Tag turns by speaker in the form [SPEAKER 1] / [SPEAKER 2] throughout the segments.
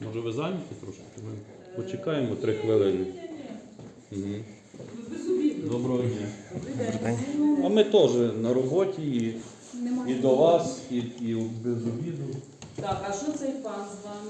[SPEAKER 1] Може ви зайняті трошки? Ми почекаємо 3 хвилини. Угу. Доброго дня. А ми теж на роботі і до вас, і без обіду.
[SPEAKER 2] Так, а що цей пан з вами?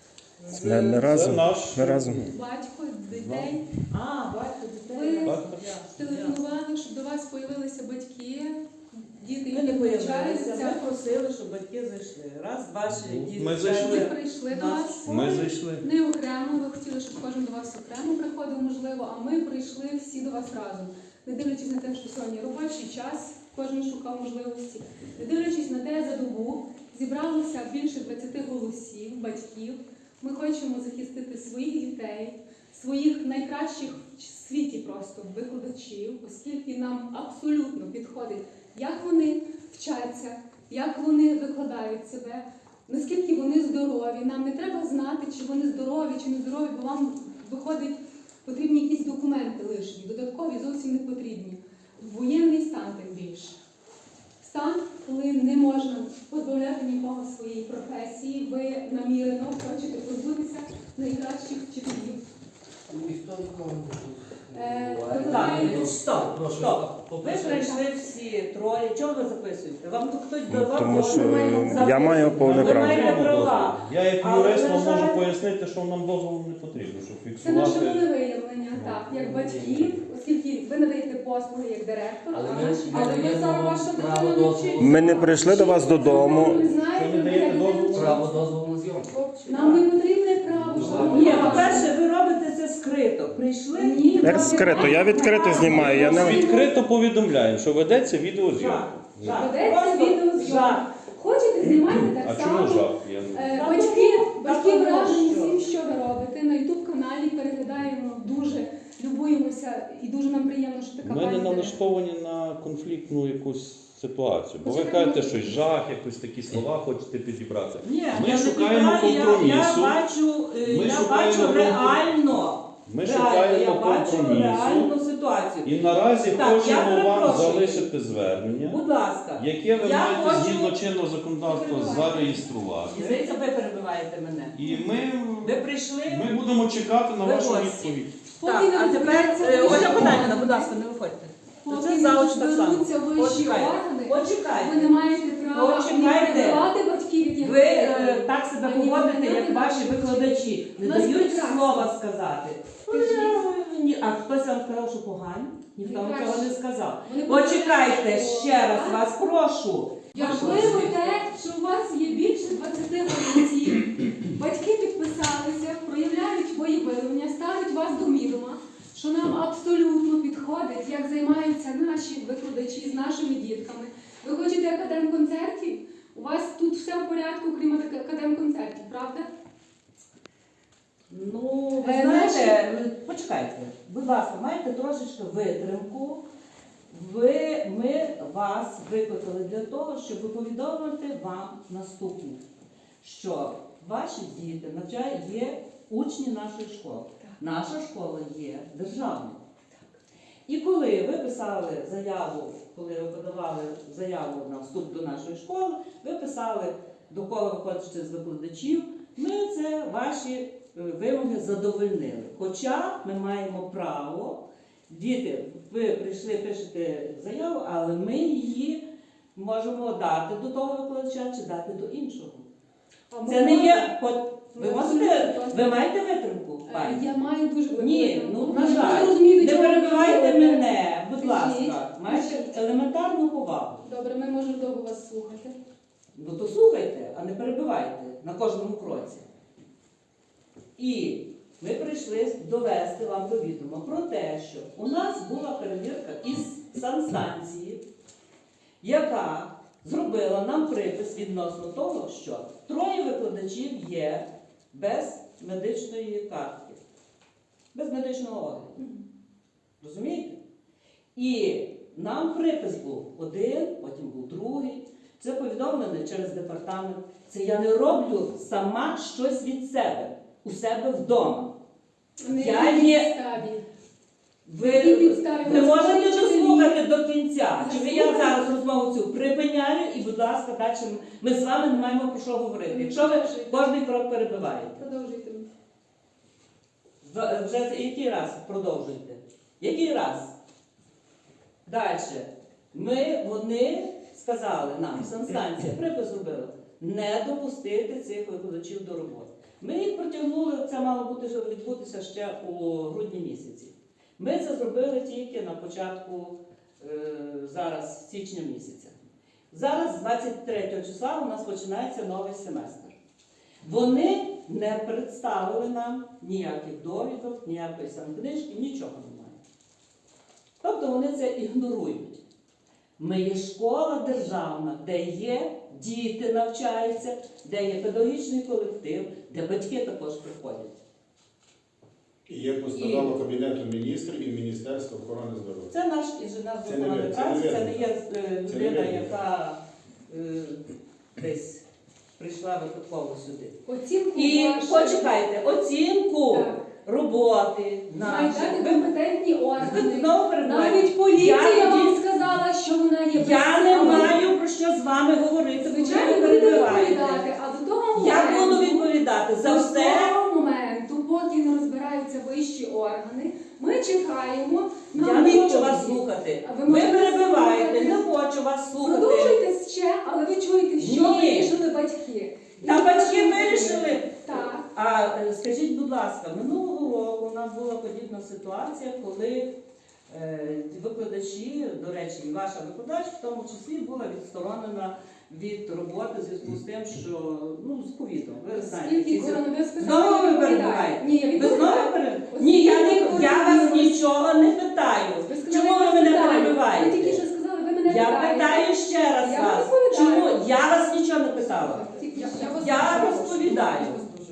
[SPEAKER 3] Ми разом. Ми разом.
[SPEAKER 4] Батько, дітей.
[SPEAKER 2] Батько, дітей.
[SPEAKER 4] Ви телефонували, щоб до вас з'явилися батьки, діти,
[SPEAKER 2] Ми не
[SPEAKER 4] які
[SPEAKER 2] появилися,
[SPEAKER 4] навчаються.
[SPEAKER 2] ми просили, щоб батьки зайшли. Раз, ваші діти.
[SPEAKER 1] Ми зайшли.
[SPEAKER 4] Ви прийшли до вас.
[SPEAKER 1] Ми зайшли.
[SPEAKER 4] Не окремо, ви хотіли, щоб кожен до вас окремо приходив, можливо, а ми прийшли всі до вас разом. Не дивлячись на те, що сьогодні робочий час, кожен шукав можливості. Не дивлячись на те, за добу зібралося більше 20 голосів, батьків. Ми хочемо захистити своїх дітей, своїх найкращих в світі просто викладачів, оскільки нам абсолютно підходить, як вони вчаться, як вони викладають себе, наскільки вони здорові. Нам не треба знати, чи вони здорові, чи не здорові, бо вам виходить, потрібні якісь документи лишні, додаткові зовсім не потрібні. Воєнний стан тим більше. Стан, коли не можна позбавляти нікого своєї професії, ви намірено хочете позбутися найкращих вчителів.
[SPEAKER 5] Ніхто нікого не
[SPEAKER 2] Так, стоп. Ви прийшли всі троє. Чого ви записуєте? Вам тут хтось давав?
[SPEAKER 3] Тому що я маю повне
[SPEAKER 2] Ви
[SPEAKER 3] право.
[SPEAKER 2] маєте права.
[SPEAKER 1] Я як
[SPEAKER 2] Але,
[SPEAKER 1] юрист
[SPEAKER 2] на
[SPEAKER 1] вам можу
[SPEAKER 2] жаль,
[SPEAKER 1] пояснити, що нам дозволу не потрібно, щоб
[SPEAKER 4] Це наше
[SPEAKER 1] фіксувати.
[SPEAKER 4] волевиявлення, так, як батьків, оскільки ви надаєте послуги як директор,
[SPEAKER 5] Але
[SPEAKER 4] а
[SPEAKER 5] ми
[SPEAKER 4] наші
[SPEAKER 5] не даємо
[SPEAKER 4] саме ваша
[SPEAKER 5] право
[SPEAKER 4] дитина не
[SPEAKER 5] дозволу.
[SPEAKER 4] вчить.
[SPEAKER 3] Ми не прийшли до вас додому.
[SPEAKER 4] Ви знаєте,
[SPEAKER 1] Що не даєте
[SPEAKER 4] як дитина
[SPEAKER 1] дозволу?
[SPEAKER 4] вчиться.
[SPEAKER 5] Право дозволу на зйомку.
[SPEAKER 4] Нам не потрібне право, щоб
[SPEAKER 2] Ні, по-перше, ви робите це скрито. Прийшли?
[SPEAKER 4] Ні.
[SPEAKER 3] Як скрито? Я відкрито знімаю. Я не...
[SPEAKER 1] Відкрито повідомляємо, що ведеться відеозйомка.
[SPEAKER 2] Жах.
[SPEAKER 4] Ведеться
[SPEAKER 2] Просто
[SPEAKER 4] відеозйомка.
[SPEAKER 2] жах.
[SPEAKER 4] Хочете, знімайте
[SPEAKER 1] А
[SPEAKER 4] так
[SPEAKER 1] чому
[SPEAKER 4] само.
[SPEAKER 1] жах? Я не-
[SPEAKER 4] Батьки
[SPEAKER 2] тому
[SPEAKER 4] вражені
[SPEAKER 2] що?
[SPEAKER 4] всім, що ви робите. На YouTube-каналі переглядаємо дуже, любуємося і дуже нам приємно, що така
[SPEAKER 1] Ми не
[SPEAKER 4] пані
[SPEAKER 1] налаштовані на конфліктну якусь ситуацію. Бо ви
[SPEAKER 4] Почекайте.
[SPEAKER 1] кажете, щось жах, якось такі слова хочете підібрати.
[SPEAKER 2] Ні,
[SPEAKER 1] Ми
[SPEAKER 2] я не
[SPEAKER 1] шукаємо
[SPEAKER 2] підбираю,
[SPEAKER 1] компромісу.
[SPEAKER 2] Я
[SPEAKER 1] Ми шукаємо
[SPEAKER 2] бачу реально.
[SPEAKER 1] Ми
[SPEAKER 2] Реально,
[SPEAKER 1] шукаємо
[SPEAKER 2] я бачу
[SPEAKER 1] компромісу.
[SPEAKER 2] реальну ситуацію.
[SPEAKER 1] І наразі
[SPEAKER 2] Так, я
[SPEAKER 1] хочемо вам
[SPEAKER 2] перепрошую.
[SPEAKER 1] залишити звернення,
[SPEAKER 2] Будь ласка.
[SPEAKER 1] яке ви
[SPEAKER 2] Я
[SPEAKER 1] маєте
[SPEAKER 2] хочу-
[SPEAKER 1] згідно чинного законодавства зареєструвати.
[SPEAKER 2] Здається, ви перебиваєте мене.
[SPEAKER 1] І
[SPEAKER 2] Ви прийшли?
[SPEAKER 1] ми будемо чекати на
[SPEAKER 2] Ви
[SPEAKER 1] вашу
[SPEAKER 2] гості.
[SPEAKER 1] відповідь.
[SPEAKER 2] Так, а тепер, Ольга Богданівна, будь ласка, не виходьте. Це
[SPEAKER 4] Поки
[SPEAKER 2] заочно так само.
[SPEAKER 4] зберуться вищі
[SPEAKER 2] Почекайте.
[SPEAKER 4] органи,
[SPEAKER 2] Почекайте.
[SPEAKER 4] ви не маєте права
[SPEAKER 2] Почекайте.
[SPEAKER 4] перебивати батьків, яких
[SPEAKER 2] Ви так себе
[SPEAKER 4] Ані
[SPEAKER 2] поводите,
[SPEAKER 4] ви,
[SPEAKER 2] як
[SPEAKER 4] ані
[SPEAKER 2] ваші
[SPEAKER 4] ваші
[SPEAKER 2] викладачі. Не
[SPEAKER 4] У нас
[SPEAKER 2] дають
[SPEAKER 4] прекрасно.
[SPEAKER 2] слова сказати.
[SPEAKER 4] Скажіть.
[SPEAKER 2] А хтось вам сказав, що погані? Ніхто вам
[SPEAKER 4] Найкраще.
[SPEAKER 2] цього не сказав.
[SPEAKER 4] Вони
[SPEAKER 2] Почекайте,
[SPEAKER 4] почекають.
[SPEAKER 2] ще раз вас прошу.
[SPEAKER 4] Важливо те, що у вас є більше 20 голосів. Батьки підписалися, проявляють волевиявлення, ставлять вас до відома, що нам абсолютно підходить, як займаються наші викладачі з нашими дітками. Ви хочете академконцертів? У вас тут все в порядку, крім академконцертів, правда?
[SPEAKER 2] Ну, ви знаєте, почекайте, будь ласка, маєте трошечки витримку. Ми вас викликали для того, щоб повідомити вам наступне, що ваші діти є учні нашої школи. Наша школа є державною. І коли ви писали заяву, коли ви подавали заяву на вступ до нашої школи, ви писали, до кого ви хочете з викладачів, ми це ваші вимоги задовольнили. Хоча ми маємо право, діти, ви прийшли, пишете заяву, але ми її можемо дати до того викладача чи дати до іншого. Це не є... Ви маєте витримку, пані?
[SPEAKER 4] Я маю дуже велику
[SPEAKER 2] Ні,
[SPEAKER 4] витримку.
[SPEAKER 2] ну, на
[SPEAKER 4] Я
[SPEAKER 2] жаль,
[SPEAKER 4] розумію,
[SPEAKER 2] не
[SPEAKER 4] чому ви
[SPEAKER 2] перебивайте
[SPEAKER 4] говорите.
[SPEAKER 2] мене, будь
[SPEAKER 4] Скажіть.
[SPEAKER 2] ласка. Маєте елементарну повагу.
[SPEAKER 4] Добре, ми можемо довго вас слухати.
[SPEAKER 2] Ну то слухайте, а не перебивайте на кожному кроці. І ми прийшли довести вам до відома про те, що у нас була перевірка із санстанції, яка зробила нам припис відносно того, що 3 викладачів є без медичної картки, без медичного огляду. Розумієте? І нам припис був один, потім був другий. Це повідомлено через департамент. Це я не роблю сама щось від себе, у себе вдома. Я є... Ви можете дослухати до кінця. Чи ви я зараз розмову цю припиняю і, будь ласка, далі ми з вами не маємо про що говорити. Якщо ви кожний крок перебиваєте.
[SPEAKER 4] Продовжуйте.
[SPEAKER 2] Вже який раз продовжуєте? Який раз? Далі. Вони сказали нам, санстанція, припис зробила, не допустити цих викладачів до роботи. Ми їх протягнули, це мало відбутися ще у грудні місяці. Ми це зробили тільки на початку, зараз, січня місяця. Зараз, з 23 числа, у нас починається новий семестр. Вони не представили нам ніяких довідок, ніякої самокнижки, нічого немає. Тобто вони це ігнорують. Ми є школа державна, де є діти навчаються, де є педагогічний колектив, де батьки також приходять.
[SPEAKER 6] І є постанова Кабінету міністрів і Міністерства охорони здоров'я.
[SPEAKER 2] Це наш інженер з
[SPEAKER 6] Це не
[SPEAKER 2] охорони
[SPEAKER 6] ви,
[SPEAKER 2] праці,
[SPEAKER 6] це
[SPEAKER 2] це
[SPEAKER 6] не
[SPEAKER 2] не
[SPEAKER 6] ви.
[SPEAKER 2] є
[SPEAKER 6] Це не
[SPEAKER 2] людина,
[SPEAKER 6] ви.
[SPEAKER 2] яка десь прийшла випадково сюди.
[SPEAKER 4] Оцінку
[SPEAKER 2] І
[SPEAKER 4] вашу
[SPEAKER 2] почекайте, оцінку
[SPEAKER 4] Так.
[SPEAKER 2] роботи
[SPEAKER 4] мають дати
[SPEAKER 2] наші.
[SPEAKER 4] компетентні
[SPEAKER 2] Ви
[SPEAKER 4] органи.
[SPEAKER 2] знову перебуваєте.
[SPEAKER 4] Навіть поліція
[SPEAKER 2] Я
[SPEAKER 4] вам
[SPEAKER 2] тоді-
[SPEAKER 4] сказала, що вона є
[SPEAKER 2] Я не
[SPEAKER 4] безсилою.
[SPEAKER 2] маю про що з вами говорити,
[SPEAKER 4] Звичайно,
[SPEAKER 2] ви
[SPEAKER 4] будете
[SPEAKER 2] перебиваєте.
[SPEAKER 4] відповідати, а до того
[SPEAKER 2] Я
[SPEAKER 4] моменту,
[SPEAKER 2] буду відповідати за
[SPEAKER 4] до
[SPEAKER 2] все.
[SPEAKER 4] того моменту, поки не розбираються вищі органи, ми чекаємо на
[SPEAKER 2] Я не хочу
[SPEAKER 4] відповіді.
[SPEAKER 2] вас слухати.
[SPEAKER 4] А ви
[SPEAKER 2] Ви
[SPEAKER 4] можете
[SPEAKER 2] перебиваєте,
[SPEAKER 4] слухати.
[SPEAKER 2] не хочу вас слухати.
[SPEAKER 4] Продовжуйте ще, але ви чуєте, що
[SPEAKER 2] Ні.
[SPEAKER 4] вирішили батьки.
[SPEAKER 2] Та
[SPEAKER 4] І
[SPEAKER 2] батьки
[SPEAKER 4] ви-
[SPEAKER 2] вирішили.
[SPEAKER 4] Так.
[SPEAKER 2] А скажіть, будь ласка, минулого року у нас була подібна ситуація, коли викладачі, до речі, і ваша викладач, в тому числі була відсторонена від роботи в зв'язку з тим, що з ковідом. Ви знаєте,
[SPEAKER 4] Скільки
[SPEAKER 2] ці
[SPEAKER 4] коронавірус
[SPEAKER 2] Знову ви перебуваєте?
[SPEAKER 4] Ні, я
[SPEAKER 2] Ви
[SPEAKER 4] відповідаю.
[SPEAKER 2] знову перебуваєте? Ні, я вас нічого не питаю.
[SPEAKER 4] Ви сказали,
[SPEAKER 2] Чому ви
[SPEAKER 4] я
[SPEAKER 2] мене
[SPEAKER 4] питаю.
[SPEAKER 2] перебиваєте?
[SPEAKER 4] Ви тільки що сказали, ви мене
[SPEAKER 2] Я
[SPEAKER 4] питаєте.
[SPEAKER 2] питаю ще раз
[SPEAKER 4] Я
[SPEAKER 2] вас.
[SPEAKER 4] відповідаю.
[SPEAKER 2] Чому? Я вас нічого не питала. Я розповідаю.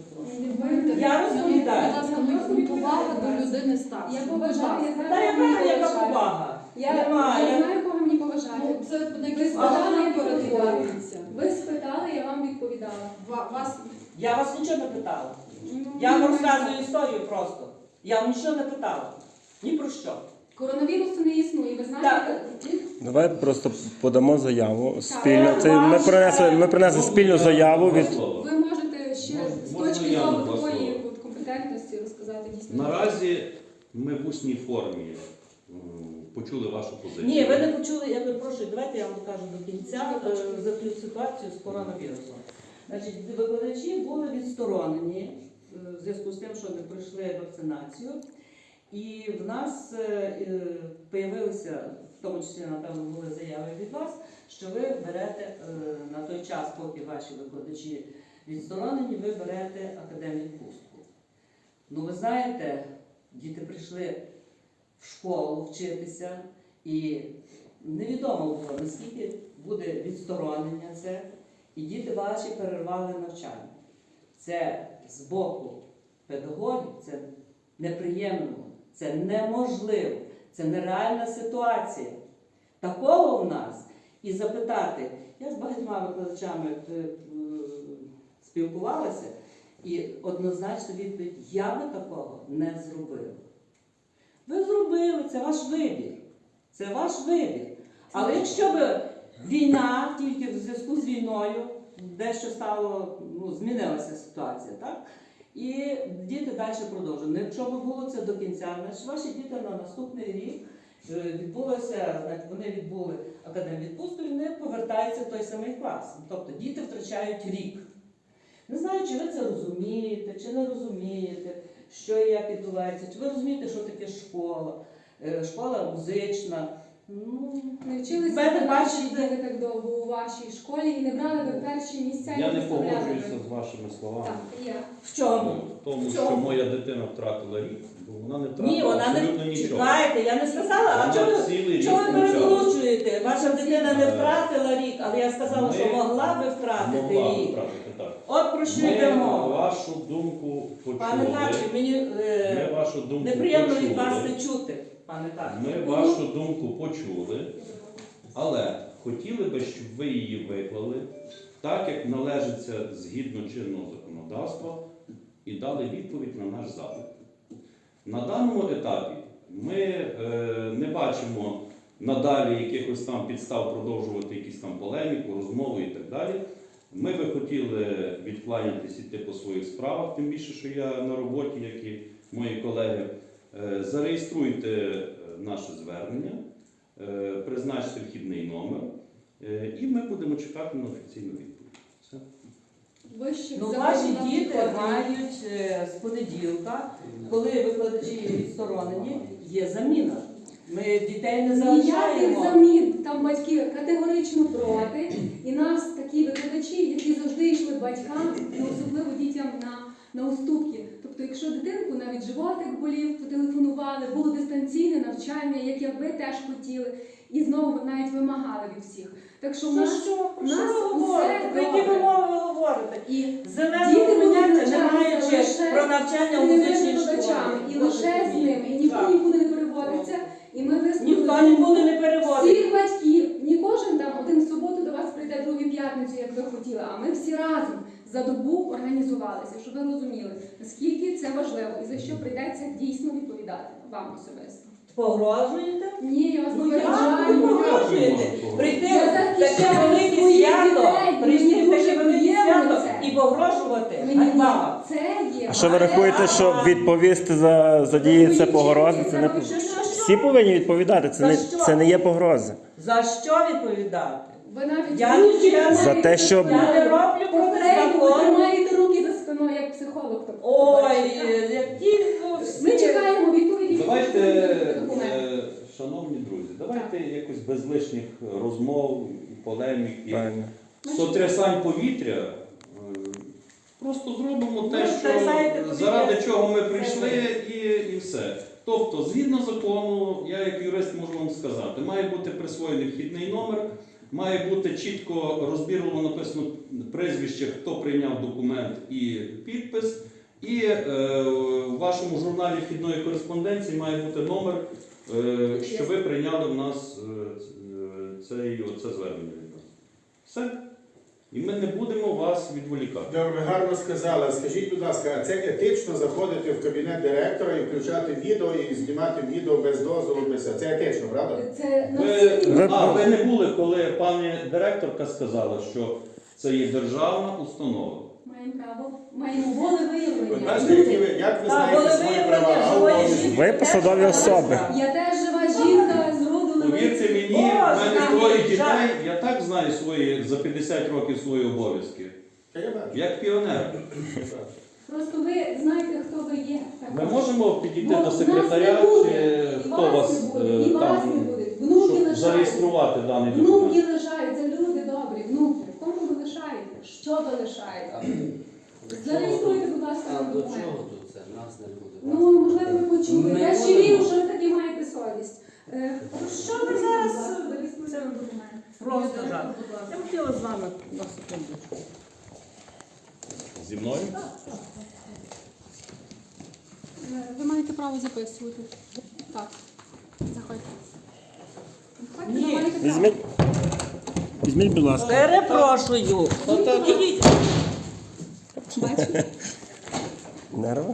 [SPEAKER 2] Я розповідаю.
[SPEAKER 7] Повага до людини старшої.
[SPEAKER 4] Я поважаю, я знаю,
[SPEAKER 2] Та
[SPEAKER 4] кого мені
[SPEAKER 2] яка
[SPEAKER 4] поважати.
[SPEAKER 2] повага?
[SPEAKER 4] Я
[SPEAKER 2] Немає.
[SPEAKER 4] знаю, кого мені поважати.
[SPEAKER 7] Ну, це
[SPEAKER 4] Ви
[SPEAKER 7] якийсь
[SPEAKER 4] спитали, я
[SPEAKER 7] передивляється.
[SPEAKER 4] відповідаю. Ви спитали, я вам відповідала.
[SPEAKER 7] Вас
[SPEAKER 2] Я вас нічого не питала. Я вам розказую історію просто. Я вам нічого не питала. Ні про що.
[SPEAKER 4] Коронавірусу не існує, ви знаєте?
[SPEAKER 2] Так,
[SPEAKER 3] Давай просто подамо заяву спільно.
[SPEAKER 2] Так.
[SPEAKER 3] Це ми принесли спільну заяву від.
[SPEAKER 4] Ви можете ще з
[SPEAKER 1] Можна
[SPEAKER 4] точки
[SPEAKER 1] я
[SPEAKER 4] зору
[SPEAKER 1] на два
[SPEAKER 4] такої
[SPEAKER 1] слова?
[SPEAKER 4] компетентності розказати дійсно.
[SPEAKER 1] Наразі ми в усній формі почули вашу позицію.
[SPEAKER 2] ні, ви не почули, я перепрошую, давайте я вам кажу до кінця за цю ситуацію з коронавірусом. Значить, викладачі були відсторонені в зв'язку з тим, що не пройшли вакцинацію. І в нас з'явилися, в тому числі, напевно, були заяви від вас, що ви берете на той час, поки ваші викладачі відсторонені, ви берете академвідпустку. Ну, ви знаєте, діти прийшли в школу вчитися, і невідомо було, наскільки буде відсторонення це, і діти ваші перервали навчання. Це з боку педагогів, це неприємно, це неможливо, це нереальна ситуація. Такого в нас. І запитати, я з багатьма викладачами спілкувалася, і однозначно відповідь, я би такого не зробила. Ви зробили, це ваш вибір. Це ваш вибір. Але якщо б війна, тільки в зв'язку з війною, дещо стало, змінилася ситуація, так? І діти далі продовжують. Якщо б було це до кінця, значить ваші діти на наступний рік вони відбули академвідпустку і вони повертаються в той самий клас. Тобто діти втрачають рік. Не знаю, чи ви це розумієте, чи не розумієте, що і як відбувається, чи ви розумієте, що таке школа, школа музична.
[SPEAKER 4] Не вчилися
[SPEAKER 2] мене
[SPEAKER 4] ви
[SPEAKER 2] бачите.
[SPEAKER 4] діти так довго у вашій школі і не брали ви перші місця. і
[SPEAKER 1] Я не
[SPEAKER 4] представляли
[SPEAKER 1] погоджуюся
[SPEAKER 4] ви.
[SPEAKER 1] з вашими словами.
[SPEAKER 4] Так, я.
[SPEAKER 2] В чому?
[SPEAKER 1] В тому,
[SPEAKER 2] В
[SPEAKER 1] що
[SPEAKER 2] чому?
[SPEAKER 1] моя дитина втратила рік, бо вона не втратила
[SPEAKER 2] Ні, вона
[SPEAKER 1] абсолютно
[SPEAKER 2] не
[SPEAKER 1] нічого.
[SPEAKER 2] чекайте, я не сказала, а
[SPEAKER 1] Вона
[SPEAKER 2] чого
[SPEAKER 1] цілий рік
[SPEAKER 2] ви
[SPEAKER 1] навчалася.
[SPEAKER 2] переголошуєте? Ваша дитина не втратила рік, але я сказала, що
[SPEAKER 1] Ми
[SPEAKER 2] могла би втратити
[SPEAKER 1] Могла
[SPEAKER 2] рік.
[SPEAKER 1] втратити, так.
[SPEAKER 2] От про що
[SPEAKER 1] Ми
[SPEAKER 2] йде мова.
[SPEAKER 1] вашу думку
[SPEAKER 2] Пане
[SPEAKER 1] почули.
[SPEAKER 2] Качу, мені
[SPEAKER 1] Ми вашу думку
[SPEAKER 2] неприємно від
[SPEAKER 1] почули.
[SPEAKER 2] вас це чути, пане Качу.
[SPEAKER 1] Ми вашу думку почули, але хотіли би, щоб ви її виклали так, як належиться згідно чинного законодавства, і дали відповідь на наш запит. На даному етапі ми не бачимо надалі якихось там підстав продовжувати якісь там полеміку, розмови і так далі. Ми би хотіли відкланятися, іти по своїх справах, тим більше, що я на роботі, як і мої колеги, зареєструйте наше звернення, призначте вхідний номер, і ми будемо чекати на офіційну відповідь. Все.
[SPEAKER 4] Вищих
[SPEAKER 2] Ну,
[SPEAKER 4] законів
[SPEAKER 2] ваші
[SPEAKER 4] нам
[SPEAKER 2] діти
[SPEAKER 4] підходить.
[SPEAKER 2] мають з понеділка, коли викладачі відсторонені, є заміна. Ми дітей не
[SPEAKER 4] Ніяких
[SPEAKER 2] залишаємо.
[SPEAKER 4] замін. Там батьки категорично проти. І нас такі викладачі, які завжди йшли батькам, і особливо дітям на уступки. Тобто, якщо дитинку навіть животик болів, потелефонували, було дистанційне навчання, яке ви теж хотіли, і знову навіть вимагали від всіх. Так що в
[SPEAKER 2] Ну
[SPEAKER 4] нас
[SPEAKER 2] що, про
[SPEAKER 4] нас
[SPEAKER 2] що ви
[SPEAKER 4] усе
[SPEAKER 2] говорите? Про які
[SPEAKER 4] добре.
[SPEAKER 2] вимови ви говорите?
[SPEAKER 4] і
[SPEAKER 2] Зеленого
[SPEAKER 4] Діти будуть
[SPEAKER 2] поняття не
[SPEAKER 4] навчатися
[SPEAKER 2] маючи
[SPEAKER 4] лише
[SPEAKER 2] про навчання
[SPEAKER 4] з
[SPEAKER 2] у
[SPEAKER 4] цими
[SPEAKER 2] музичній
[SPEAKER 4] викладачами,
[SPEAKER 2] школі.
[SPEAKER 4] і лише з ними, і ніхто
[SPEAKER 2] Так.
[SPEAKER 4] нікуди не переводиться. І ми
[SPEAKER 2] Ніхто
[SPEAKER 4] висловили
[SPEAKER 2] нікуди не переводить.
[SPEAKER 4] всіх батьків. Не кожен там один в суботу до вас прийде, другий в п'ятницю, як ви хотіли, а ми всі разом за добу організувалися, щоб ви розуміли, наскільки це важливо і за що прийдеться дійсно відповідати вам особисто.
[SPEAKER 2] Погрожуєте?
[SPEAKER 4] Ні, я вас
[SPEAKER 2] Ну як ви
[SPEAKER 4] попереджаю.
[SPEAKER 2] погрожуєте? Прийти
[SPEAKER 4] Я
[SPEAKER 2] в таке
[SPEAKER 4] захищаю
[SPEAKER 2] велике
[SPEAKER 4] своїх
[SPEAKER 2] свято,
[SPEAKER 4] дітей,
[SPEAKER 2] прийти
[SPEAKER 4] мені
[SPEAKER 2] в таке
[SPEAKER 4] дуже
[SPEAKER 2] велике
[SPEAKER 4] приємно
[SPEAKER 2] свято
[SPEAKER 4] це.
[SPEAKER 2] і погрожувати?
[SPEAKER 4] Мені
[SPEAKER 2] Ганьба.
[SPEAKER 4] це є.
[SPEAKER 3] А що ви рахуєте, що відповісти за дії це погрози? Це не... Всі повинні відповідати, це не є погрози.
[SPEAKER 2] За що відповідати?
[SPEAKER 4] Ви навіть
[SPEAKER 2] Я
[SPEAKER 4] руки
[SPEAKER 2] нічого-
[SPEAKER 4] тримаєте
[SPEAKER 3] За те, щоб-
[SPEAKER 4] за
[SPEAKER 2] Я не
[SPEAKER 4] спиною.
[SPEAKER 2] роблю проти
[SPEAKER 4] Попередньо ви
[SPEAKER 2] закону.
[SPEAKER 4] тримаєте руки за спиною, як психолог. Тобто,
[SPEAKER 2] Ой,
[SPEAKER 4] бачите,
[SPEAKER 2] які
[SPEAKER 4] ми чекаємо відповіді.
[SPEAKER 1] Давайте,
[SPEAKER 4] документи.
[SPEAKER 1] шановні друзі, давайте якось без лишніх розмов, полемік і
[SPEAKER 3] Правильно.
[SPEAKER 1] сотрясань повітря. Просто зробимо те,
[SPEAKER 2] Ну, сотрясайте
[SPEAKER 1] що
[SPEAKER 2] повітря.
[SPEAKER 1] заради чого ми прийшли, і все. Тобто, згідно закону, я як юрист можу вам сказати, має бути присвоєний вхідний номер, має бути чітко розбірливо написано прізвище, хто прийняв документ і підпис. І в вашому журналі вхідної кореспонденції має бути номер, що ви прийняли в нас це звернення від нас. Все. І ми не будемо вас відволікати.
[SPEAKER 6] Добре, гарно сказали. Скажіть, будь ласка, а це етично заходити в кабінет директора і включати відео і знімати відео без дозволу, без це етично, правда?
[SPEAKER 4] Це на
[SPEAKER 1] Ви не були, коли пані директорка сказала, що це є державна установа.
[SPEAKER 4] Маємо право, маємо волевиявлення.
[SPEAKER 6] Ви бачите, як ви знаєте свої права, а обов'язки?
[SPEAKER 3] Ви посадові особи.
[SPEAKER 4] Я теж жива жінка з роду
[SPEAKER 1] Повірте мені, в мене троє дітей, я так знаю за 50 років свої обов'язки.
[SPEAKER 6] Та я бачу.
[SPEAKER 1] Як піонер.
[SPEAKER 4] Просто ви знаєте, хто ви є.
[SPEAKER 1] Ми можемо підійти
[SPEAKER 4] Бо
[SPEAKER 1] до
[SPEAKER 4] нас
[SPEAKER 1] секретаря,
[SPEAKER 4] не буде,
[SPEAKER 1] чи
[SPEAKER 4] і
[SPEAKER 1] хто
[SPEAKER 4] вас
[SPEAKER 1] вас
[SPEAKER 4] не буде, і вас не
[SPEAKER 1] там,
[SPEAKER 4] буде. Внуки
[SPEAKER 1] щоб
[SPEAKER 4] лишаються.
[SPEAKER 1] зареєструвати даний
[SPEAKER 4] Внуки
[SPEAKER 1] документ.
[SPEAKER 4] лишаються, люди добрі, внуки. Кому ви лишаєте? Що ви лишаєте? Зареєструйте, будь ласка,
[SPEAKER 5] А до
[SPEAKER 4] документ.
[SPEAKER 5] чого тут це? Нас не буде.
[SPEAKER 4] Ну, можливо, ви почули.
[SPEAKER 5] Ми
[SPEAKER 4] Я ще
[SPEAKER 5] будемо.
[SPEAKER 4] вірю, що ви таки маєте совість.
[SPEAKER 2] Що ви зараз?
[SPEAKER 4] Це документ.
[SPEAKER 2] Просто
[SPEAKER 4] Будь
[SPEAKER 2] жах.
[SPEAKER 4] ласка.
[SPEAKER 2] Я хотіла з вами на секундочку.
[SPEAKER 1] Зі мною?
[SPEAKER 4] Ви маєте право записувати. Так. Заходьте. Заходьте,
[SPEAKER 2] Ні.
[SPEAKER 4] ви маєте право.
[SPEAKER 3] Візьміть, будь ласка.
[SPEAKER 2] Перепрошую. Ідіть.
[SPEAKER 4] Бачите?
[SPEAKER 3] Нерви.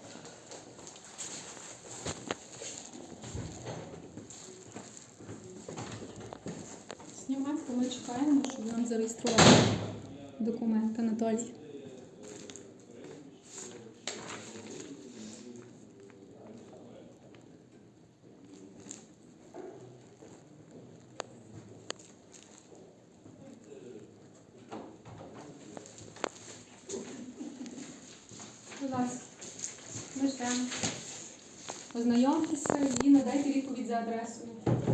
[SPEAKER 4] Знімайте, ми чекаємо, щоб нам зареєстрували документ, Анатолій. Будь ласка, ми ждемо. Ознайомтеся і надайте відповідь за адресою.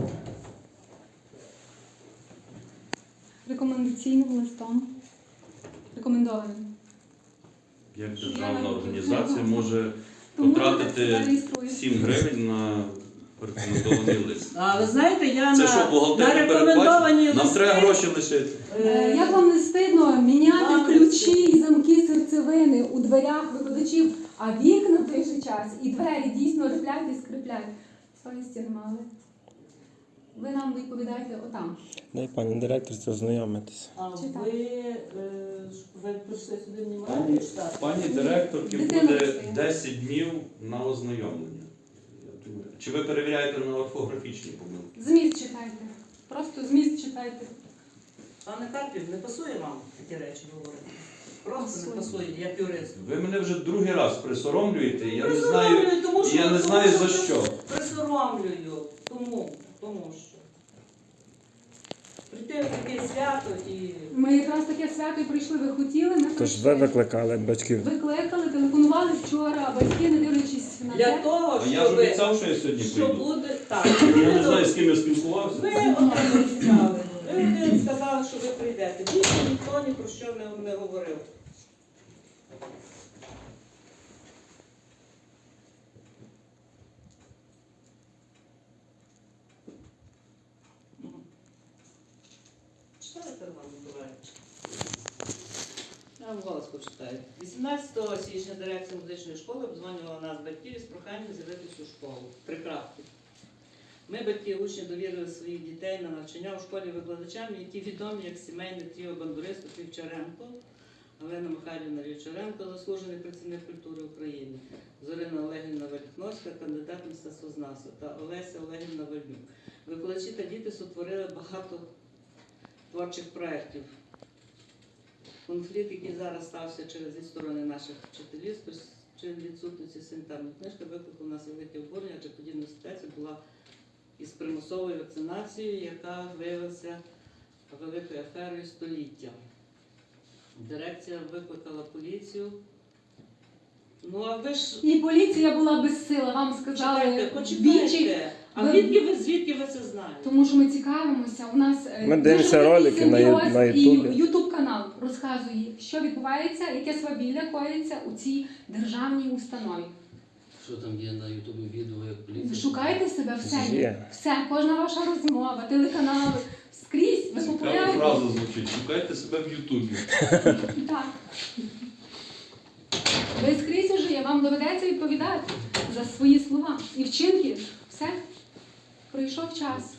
[SPEAKER 4] Рекомендаційним листом. Рекомендованим.
[SPEAKER 1] Як державна організація може
[SPEAKER 4] Тому
[SPEAKER 1] потратити
[SPEAKER 4] зареєструємо.
[SPEAKER 1] 7 гривень на рекомендований лист?
[SPEAKER 2] А ви знаєте, я
[SPEAKER 1] Це
[SPEAKER 2] на
[SPEAKER 1] що, бухгалтерія
[SPEAKER 2] рекомендовані
[SPEAKER 1] передбачить? Нам
[SPEAKER 2] листи,
[SPEAKER 1] треба гроші лишити.
[SPEAKER 4] Як вам не стидно міняти
[SPEAKER 2] Вам не
[SPEAKER 4] ключі і замки серцевини у дверях викладачів, а вікна в той же час і двері дійсно рифлять і скриплять? Совісті не мали. Ви нам відповідаєте отам.
[SPEAKER 3] Дай пані директор це ознайомитися.
[SPEAKER 2] А
[SPEAKER 4] Читаю.
[SPEAKER 2] ви прийшли сюди
[SPEAKER 1] Пані,
[SPEAKER 2] внимати читати?
[SPEAKER 1] пані директорки
[SPEAKER 4] Дитина
[SPEAKER 1] буде
[SPEAKER 4] працює.
[SPEAKER 1] 10 днів на ознайомлення. Чи ви перевіряєте на орфографічні помилки?
[SPEAKER 4] Зміст читайте. Просто зміст читайте.
[SPEAKER 2] Пане Карпів, не пасує вам такі речі говорити? Просто не пасує, як юрист.
[SPEAKER 1] Ви мене вже другий раз присоромлюєте, я не знаю,
[SPEAKER 2] Присоромлюю, тому що,
[SPEAKER 1] я не знаю за що.
[SPEAKER 2] Присоромлюю, тому що. Прийти в таке свято і...
[SPEAKER 4] Ми якраз таке свято і прийшли, ви хотіли, ми
[SPEAKER 3] Тож
[SPEAKER 4] прийшли.
[SPEAKER 3] ви викликали батьків.
[SPEAKER 4] Викликали, телефонували вчора, а батьки, не дивлячись на
[SPEAKER 2] Для
[SPEAKER 4] те.
[SPEAKER 2] того,
[SPEAKER 1] А я ж
[SPEAKER 2] щоб...
[SPEAKER 1] обіцяв, що я сьогодні
[SPEAKER 2] Що
[SPEAKER 1] прийду.
[SPEAKER 2] буде... Так.
[SPEAKER 1] Я не знаю, з ким я спілкувався.
[SPEAKER 2] Ви один обіцяли. Ви один сказали, що ви прийдете. Більше ніхто ні про що не говорив. Читайте, Роман Миколаївич. Я вам голос почитаю. 18 січня дирекція музичної школи обдзвонювала нас, батьків, із проханням з'явитися у школу. Три крапки. Ми, батьки, учні, довірили своїх дітей на навчання у школі викладачам, які відомі як сімейне тріо бандуристів Вівчаренко, Олена Михайлівна Вівчаренко, заслужений працівник культури України, Зорина Олегівна Валіхновська, кандидат мистецтвознавства та Олеся Олегівна Вальнюк. Викладачі та діти сотворили багато творчих проєктів. Конфлікт, який зараз стався через відсторони наших вчителів, через відсутності санітарної книжки, викликав у нас велике обурення, адже подібна ситуація була із примусовою вакцинацією, яка виявилася великою аферою століття. Дирекція викликала поліцію. Ну, а ви ж...
[SPEAKER 4] І поліція була безсила, вам сказали двічі.
[SPEAKER 2] Почекайте. А звідки ви це знаєте?
[SPEAKER 4] Тому що ми цікавимося. У нас
[SPEAKER 3] Ми дивимося ролики на Ютубі.
[SPEAKER 4] І Ютуб канал розказує, що відбувається, яке свавілля коїться у цій державній установі.
[SPEAKER 5] Що там є на Ютубі відео, як поліція?
[SPEAKER 4] Шукайте себе все.
[SPEAKER 3] Є.
[SPEAKER 4] Все, кожна ваша розмова, телеканали, скрізь ви
[SPEAKER 1] Цікава
[SPEAKER 4] популярні.
[SPEAKER 1] фраза звучить. Шукайте себе в Ютубі.
[SPEAKER 4] Так. Ви скрізь уже є, вам доведеться відповідати за свої слова і вчинки. Все. Пройшов час.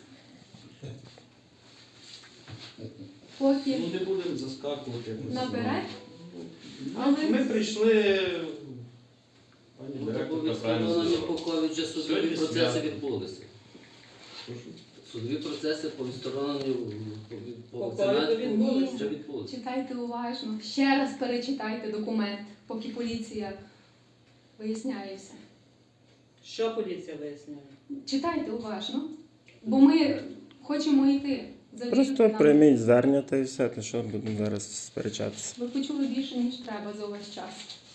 [SPEAKER 4] Поки
[SPEAKER 1] Ну не будемо заскакувати. якось.
[SPEAKER 4] наперед.
[SPEAKER 1] Ми прийшли. Пані
[SPEAKER 5] Ну, так, бо
[SPEAKER 1] директорка правильно
[SPEAKER 5] відсторонення
[SPEAKER 1] сказала.
[SPEAKER 5] Поковича судові
[SPEAKER 1] Сьогодні
[SPEAKER 5] процеси
[SPEAKER 1] свято.
[SPEAKER 5] відбулися.
[SPEAKER 1] Прошу.
[SPEAKER 5] Судові процеси по відстороненню по
[SPEAKER 2] По
[SPEAKER 5] вакцинації
[SPEAKER 2] ковіду відбулися.
[SPEAKER 5] вже відбулися.
[SPEAKER 4] Читайте уважно. Ще раз перечитайте документ, поки поліція виясняє все.
[SPEAKER 2] Що поліція виясняє?
[SPEAKER 4] Читайте уважно, бо ми хочемо йти. Завірте
[SPEAKER 3] Просто
[SPEAKER 4] нам.
[SPEAKER 3] прийміть звернення та і все, то що будемо зараз сперечатися.
[SPEAKER 4] Ви почули більше, ніж треба за увесь час.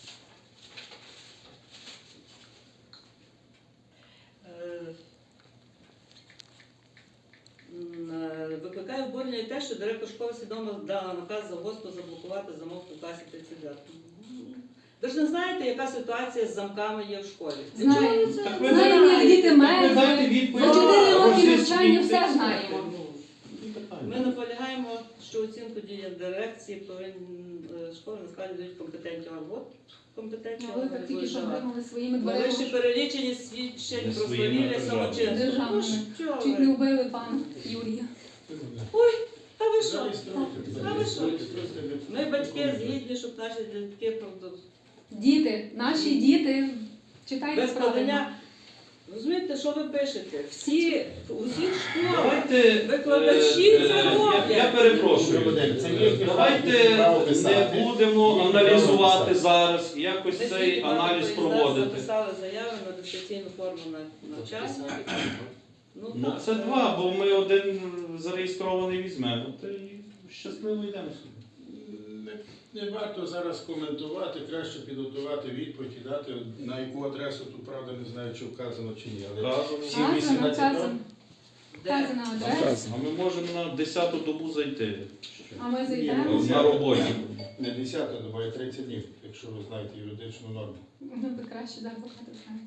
[SPEAKER 2] Викликає обурення і те, що директор школи свідомо дала наказ завгоспу заблокувати замок у класі 39. Ви ж не знаєте, яка ситуація з замками є в школі?
[SPEAKER 4] Знаємо.
[SPEAKER 1] Так ви
[SPEAKER 4] Знаємо, як діти
[SPEAKER 1] дайте
[SPEAKER 4] мерзли.
[SPEAKER 1] відповідь.
[SPEAKER 4] За 4 роки
[SPEAKER 1] Російські
[SPEAKER 4] навчання все
[SPEAKER 1] тексти.
[SPEAKER 4] знаємо.
[SPEAKER 2] Ми наполягаємо, що оцінку дії дирекції школи насправді дають компетентні або компетентні
[SPEAKER 4] А ви так тільки що отримали своїми
[SPEAKER 2] Ми лише
[SPEAKER 4] дверима
[SPEAKER 2] перелічені свідчень
[SPEAKER 1] Не
[SPEAKER 2] про
[SPEAKER 1] своїми,
[SPEAKER 2] свавілля
[SPEAKER 1] а
[SPEAKER 2] самочинства.
[SPEAKER 4] державними.
[SPEAKER 2] Ну, що
[SPEAKER 4] Чуть
[SPEAKER 2] ви?
[SPEAKER 4] не вбили пана Юрія.
[SPEAKER 2] Та ви що? Та ви що?
[SPEAKER 5] Реєструйте.
[SPEAKER 2] Ми батьки згідні, щоб наші дітки правда.
[SPEAKER 4] Діти, наші діти, читайте
[SPEAKER 2] Без
[SPEAKER 4] правильно.
[SPEAKER 2] подання. Розумієте, що ви пишете? Всі, у всіх школах
[SPEAKER 1] Давайте,
[SPEAKER 2] викладачі це
[SPEAKER 1] я
[SPEAKER 2] роблять.
[SPEAKER 1] перепрошую.
[SPEAKER 6] Це їхнє
[SPEAKER 1] Давайте
[SPEAKER 6] право писати.
[SPEAKER 1] не будемо
[SPEAKER 6] Їхнє
[SPEAKER 1] аналізувати
[SPEAKER 6] право писати.
[SPEAKER 1] зараз, якось
[SPEAKER 2] Ми
[SPEAKER 1] цей
[SPEAKER 2] всі
[SPEAKER 1] аналіз
[SPEAKER 2] багато
[SPEAKER 1] проводити.
[SPEAKER 2] записали заяви на дистанційну форму навчання.
[SPEAKER 1] Ну це два, бо ми один зареєстрований візьмемо. Та й щасливо йдемо собі.
[SPEAKER 6] Не варто зараз коментувати, краще підготувати відповідь і дати, на яку адресу, тут правда не знаю, чи вказано чи ні. Але
[SPEAKER 1] Вказано.
[SPEAKER 6] всі
[SPEAKER 4] Вказано,
[SPEAKER 6] 18
[SPEAKER 4] вказано.
[SPEAKER 2] Де?
[SPEAKER 4] Вказана адреса.
[SPEAKER 1] А ми можемо на 10-ту добу зайти.
[SPEAKER 4] А ми
[SPEAKER 6] Ні,
[SPEAKER 4] зайдемо.
[SPEAKER 1] На роботі.
[SPEAKER 6] не 10, доба, а 30 днів, якщо ви знаєте юридичну норму.
[SPEAKER 4] Ну, ви краще да, адвоката знаєте.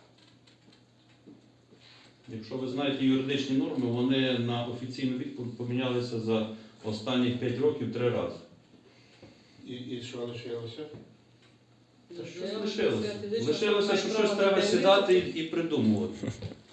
[SPEAKER 1] Якщо ви знаєте юридичні норми, вони на офіційну відповідь помінялися за останні 5 років 3 рази.
[SPEAKER 6] І що лишилося?
[SPEAKER 1] Та щось лишилося. Лишилося, що щось треба сідати і придумувати.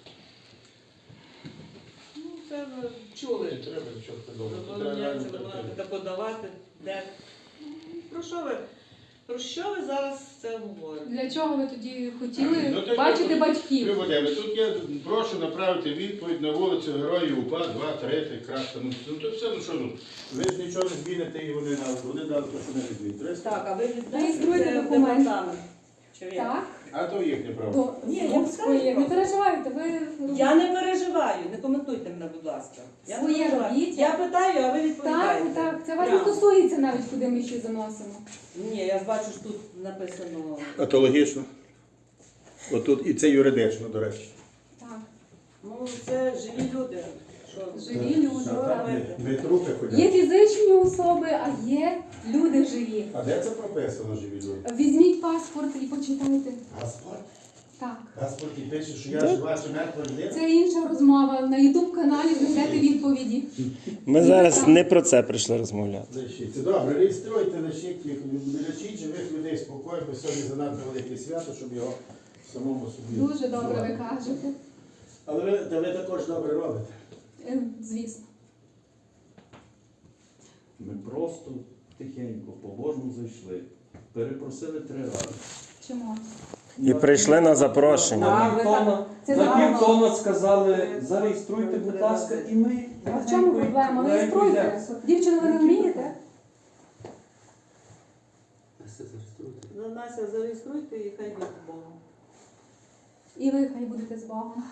[SPEAKER 2] Ну, це ви чули.
[SPEAKER 6] Не треба нічого придумати. Треба
[SPEAKER 2] Забороняється
[SPEAKER 6] реально
[SPEAKER 2] вимагати
[SPEAKER 6] прийти.
[SPEAKER 2] та подавати, де. Ну, про що ви? Про що ви зараз це говорите?
[SPEAKER 4] Для чого ви тоді хотіли
[SPEAKER 6] Ну, то-
[SPEAKER 4] бачити батьків?
[SPEAKER 6] Любодеве, тут я прошу направити відповідь на вулицю Героїв УПА, 2, 3, крапка. Ну то все, ну що, ну, ви ж нічого не зміните і вони дали те, що не змінить.
[SPEAKER 2] Так, а ви віддасте
[SPEAKER 4] Реєструйте
[SPEAKER 2] це в
[SPEAKER 4] документ.
[SPEAKER 2] департамент? Чи як?
[SPEAKER 4] Так,
[SPEAKER 6] А то їхнє право.
[SPEAKER 4] до
[SPEAKER 2] Ні, я
[SPEAKER 4] своє. Не
[SPEAKER 2] просто.
[SPEAKER 4] переживайте, ви
[SPEAKER 2] Я не переживаю, не коментуйте мене, будь ласка. Я не
[SPEAKER 4] Своє
[SPEAKER 2] переживаю.
[SPEAKER 4] робіть.
[SPEAKER 2] Я питаю, а ви відповідаєте.
[SPEAKER 4] так, це вас не
[SPEAKER 2] Прямо.
[SPEAKER 4] стосується навіть, куди ми ще заносимо.
[SPEAKER 2] Ні, я ж бачу, що тут написано.
[SPEAKER 6] А то логічно. Отут і це юридично, до речі.
[SPEAKER 4] Так,
[SPEAKER 2] Ну, це живі люди. Що?
[SPEAKER 4] живі люди.
[SPEAKER 2] Що
[SPEAKER 4] так.
[SPEAKER 2] робити?
[SPEAKER 6] Не трупи ходять.
[SPEAKER 4] Є фізичні особи, а є люди живі.
[SPEAKER 6] А де це прописано, живі люди?
[SPEAKER 4] Візьміть паспорт і почитайте.
[SPEAKER 6] Паспорт?
[SPEAKER 4] Так.
[SPEAKER 6] Паспорт і пише, що я жива чи мертва людина?
[SPEAKER 4] Це інша розмова. На YouTube каналі знайдете відповіді.
[SPEAKER 3] Ми зараз не про це прийшли розмовляти.
[SPEAKER 6] Лишіть. Це добре, реєструйте, лишіть їх, лишіть живих людей спокійно, бо сьогодні занадто велике свято, щоб його самому собі.
[SPEAKER 4] Дуже добре ви кажете.
[SPEAKER 6] Але ви також добре робите.
[SPEAKER 4] Звісно.
[SPEAKER 1] Ми просто тихенько, побожно зайшли. Перепросили 3 рази.
[SPEAKER 4] Чому?
[SPEAKER 3] І прийшли на запрошення.
[SPEAKER 1] На півтона,
[SPEAKER 4] Це
[SPEAKER 1] на
[SPEAKER 4] зарано.
[SPEAKER 1] півтона сказали, зареєструйте, будь ласка, і ми.
[SPEAKER 4] А в чому проблема? Реєструйте. Дівчина, ви не вмієте?
[SPEAKER 5] Настя, зареєструйте.
[SPEAKER 2] Ну, Настя, зареєструйте і хай буде Богом.
[SPEAKER 4] І ви хай будете з Богом.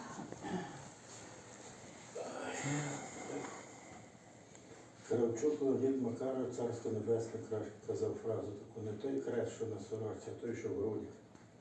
[SPEAKER 6] Кравчук Леонід Макаров, Царство Небесне, казав фразу таку: не той хрест, що на сорочці, а той, що в грудях.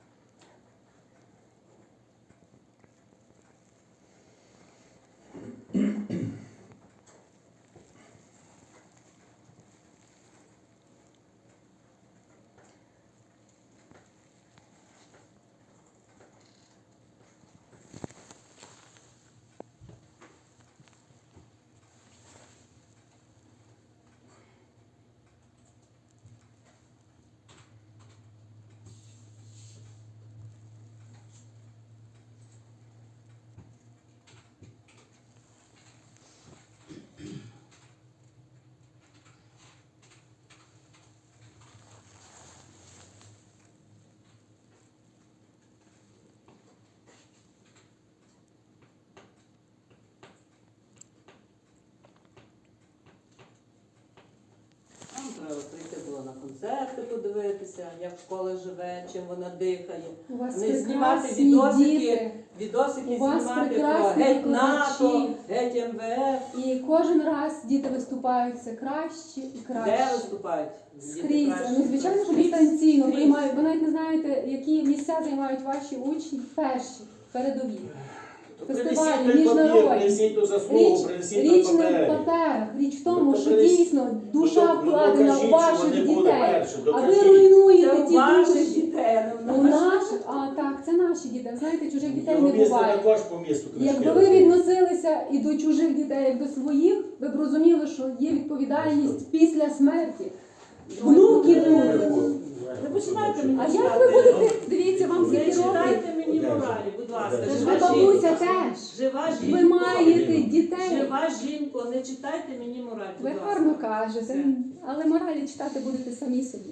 [SPEAKER 2] Нам треба прийти було на концерти, подивитися, як школа живе, чим вона дихає.
[SPEAKER 4] У вас
[SPEAKER 2] Не знімати
[SPEAKER 4] прекрасні
[SPEAKER 2] відосики,
[SPEAKER 4] діти.
[SPEAKER 2] відосики
[SPEAKER 4] У вас
[SPEAKER 2] знімати про
[SPEAKER 4] прекрасні
[SPEAKER 2] геть НАТО,
[SPEAKER 4] викладачі.
[SPEAKER 2] геть МВФ.
[SPEAKER 4] І кожен раз діти виступають все краще і
[SPEAKER 2] Де
[SPEAKER 4] краще.
[SPEAKER 2] виступають? Діти
[SPEAKER 4] Скрізь.
[SPEAKER 2] краще.
[SPEAKER 4] Ну, звичайно, що
[SPEAKER 2] Скрізь.
[SPEAKER 4] дистанційно
[SPEAKER 2] Скрізь.
[SPEAKER 4] приймають. Ви навіть не знаєте, які місця займають ваші учні перші, передові. Фестивалі, міжнародні.
[SPEAKER 6] Принесіть ту заслугу,
[SPEAKER 4] Річ,
[SPEAKER 6] принесіть
[SPEAKER 4] річ
[SPEAKER 6] на
[SPEAKER 4] не в
[SPEAKER 6] папері.
[SPEAKER 4] паперах, річ в тому,
[SPEAKER 6] Ну,
[SPEAKER 4] що
[SPEAKER 6] принесіть.
[SPEAKER 4] дійсно душа
[SPEAKER 6] Ну,
[SPEAKER 4] вкладена
[SPEAKER 6] докажіть,
[SPEAKER 4] у
[SPEAKER 6] що
[SPEAKER 4] ваших
[SPEAKER 6] вони були
[SPEAKER 4] дітей.
[SPEAKER 6] перші,
[SPEAKER 4] А ви
[SPEAKER 6] докажіть.
[SPEAKER 2] Це
[SPEAKER 4] руйнуєте
[SPEAKER 2] у
[SPEAKER 4] ті
[SPEAKER 2] ваших
[SPEAKER 4] душі.
[SPEAKER 2] дітей, а не
[SPEAKER 4] У
[SPEAKER 2] у наших.
[SPEAKER 4] наших, а так, це наші діти. Знаєте, чужих дітей
[SPEAKER 6] Його
[SPEAKER 4] не
[SPEAKER 6] місто
[SPEAKER 4] буває.
[SPEAKER 6] також по місту книжки.
[SPEAKER 4] Якби ви відносилися і до чужих дітей, як до своїх, ви б розуміли, що є відповідальність після смерті. Внуки будуть.
[SPEAKER 2] Не починайте мені
[SPEAKER 4] А як
[SPEAKER 2] читати.
[SPEAKER 4] ви будете, дивіться, вам
[SPEAKER 2] Не
[SPEAKER 4] скільки років.
[SPEAKER 2] читайте мені моралі, будь ласка.
[SPEAKER 4] Це ж
[SPEAKER 2] Жива
[SPEAKER 4] ви, бабуся,
[SPEAKER 2] жінка.
[SPEAKER 4] теж.
[SPEAKER 2] Жива
[SPEAKER 4] Ви
[SPEAKER 2] жінка.
[SPEAKER 4] маєте дітей.
[SPEAKER 2] Жива жінка, не читайте мені мораль, будь
[SPEAKER 4] Ви
[SPEAKER 2] ласка.
[SPEAKER 4] гарно кажете,
[SPEAKER 2] Все.
[SPEAKER 4] але моралі читати будете самі собі.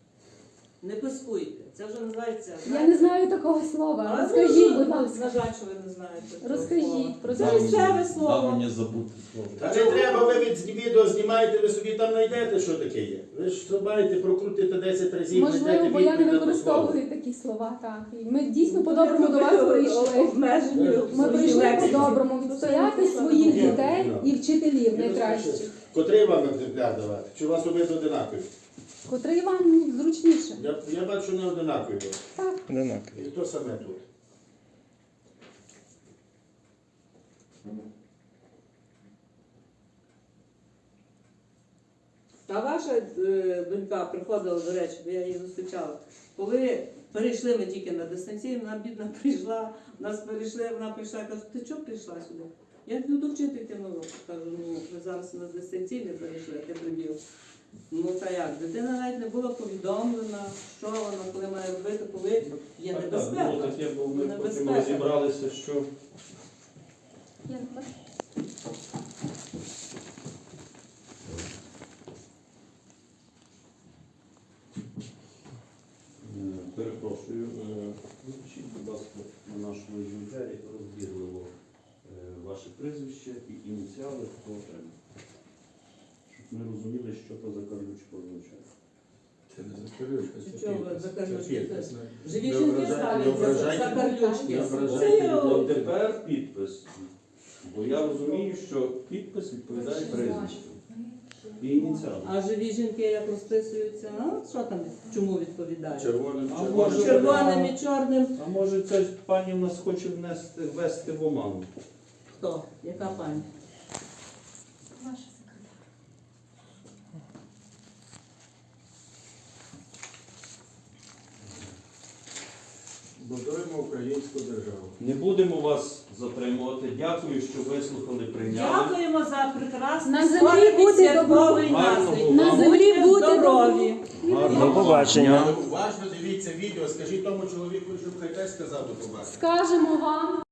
[SPEAKER 2] Не пискуйте. Це вже називається.
[SPEAKER 4] Я не знаю такого слова.
[SPEAKER 2] Але
[SPEAKER 4] Розкажіть, будь
[SPEAKER 2] на
[SPEAKER 4] ласка.
[SPEAKER 2] жаль, що ви не знаєте. цього
[SPEAKER 4] Розкажіть
[SPEAKER 2] слова.
[SPEAKER 4] про
[SPEAKER 2] Це
[SPEAKER 4] це.
[SPEAKER 2] місцеве
[SPEAKER 1] Дав
[SPEAKER 2] слово.
[SPEAKER 1] мені забути слово.
[SPEAKER 6] Та не треба, ви від відео знімаєте, ви собі там знайдете, що таке є. Ви ж маєте прокрутити 10 разів,
[SPEAKER 4] Можливо,
[SPEAKER 6] знайдете
[SPEAKER 4] бо я не
[SPEAKER 6] відповідь на те
[SPEAKER 4] використовую такі слова. Так. І ми дійсно по-доброму до вас прийшли.
[SPEAKER 2] Обмежені
[SPEAKER 4] Ми
[SPEAKER 2] в своїй
[SPEAKER 4] прийшли
[SPEAKER 2] лексиці.
[SPEAKER 4] по-доброму відстояти своїх дітей і вчителів найкращих.
[SPEAKER 6] слово. Котрий вам екземпляр давати? Чи у вас обидва одинакові?
[SPEAKER 4] Котрий вам зручніше.
[SPEAKER 6] Я бачу, що не одинакові.
[SPEAKER 4] Так.
[SPEAKER 3] Одинаково.
[SPEAKER 6] І то саме тут.
[SPEAKER 2] Та ваша донька приходила, до речі, бо я її зустрічала. Коли перейшли ми тільки на дистанційну, вона бідна прийшла, нас перейшли, вона прийшла, каже, ти чого прийшла сюди? Я йду до вчительки на урок. Кажу, ну ми зараз на дистанційне перейшли, а ти прибіг. Ну та як, дитина навіть не була повідомлена, що вона, коли має робити, коли є
[SPEAKER 1] Так,
[SPEAKER 2] небезпека.
[SPEAKER 1] було таке, бо ми потім
[SPEAKER 2] Небезпека.
[SPEAKER 1] розібралися, що
[SPEAKER 4] Я не бачу.
[SPEAKER 1] перепрошую. Напишіть, будь ласка, на нашому екземплярі розбірливо ваше прізвище і ініціали, хто отримав. Щоб ми розуміли, що то за карлючко означає.
[SPEAKER 6] Це не закарючка,
[SPEAKER 2] Чого ви за карлючки?
[SPEAKER 6] підпис.
[SPEAKER 2] Живі
[SPEAKER 6] Не
[SPEAKER 2] жінки
[SPEAKER 6] ображайте,
[SPEAKER 2] ставлять
[SPEAKER 6] не
[SPEAKER 2] за
[SPEAKER 6] ображайте.
[SPEAKER 2] карлючки.
[SPEAKER 6] Не ображайте
[SPEAKER 2] Це
[SPEAKER 1] От тепер підпис. Бо я розумію, що підпис відповідає прізвищу. І ініціали.
[SPEAKER 2] А живі жінки як розписуються, ну що там, чому відповідають?
[SPEAKER 6] Червоним,
[SPEAKER 1] А
[SPEAKER 6] червоним.
[SPEAKER 1] може-
[SPEAKER 2] Червоним і чорним.
[SPEAKER 1] А може ця пані в нас хоче ввести в оману?
[SPEAKER 2] Хто? Яка пані?
[SPEAKER 4] Ваша секретар.
[SPEAKER 6] Будуємо українську державу.
[SPEAKER 1] Не будемо вас затримувати. Дякую, що вислухали, прийняли.
[SPEAKER 2] Дякуємо за прекрасний
[SPEAKER 4] На землі
[SPEAKER 2] сонячний
[SPEAKER 4] буде
[SPEAKER 2] святковий
[SPEAKER 1] добро.
[SPEAKER 2] настрій.
[SPEAKER 1] Гарного вам.
[SPEAKER 4] На землі
[SPEAKER 2] Будьте
[SPEAKER 4] буде
[SPEAKER 2] здорові.
[SPEAKER 1] Гарно.
[SPEAKER 3] До побачення.
[SPEAKER 6] Але уважно дивіться відео, скажіть тому чоловіку, щоб хай теж сказав до побачення.
[SPEAKER 4] Скажемо вам.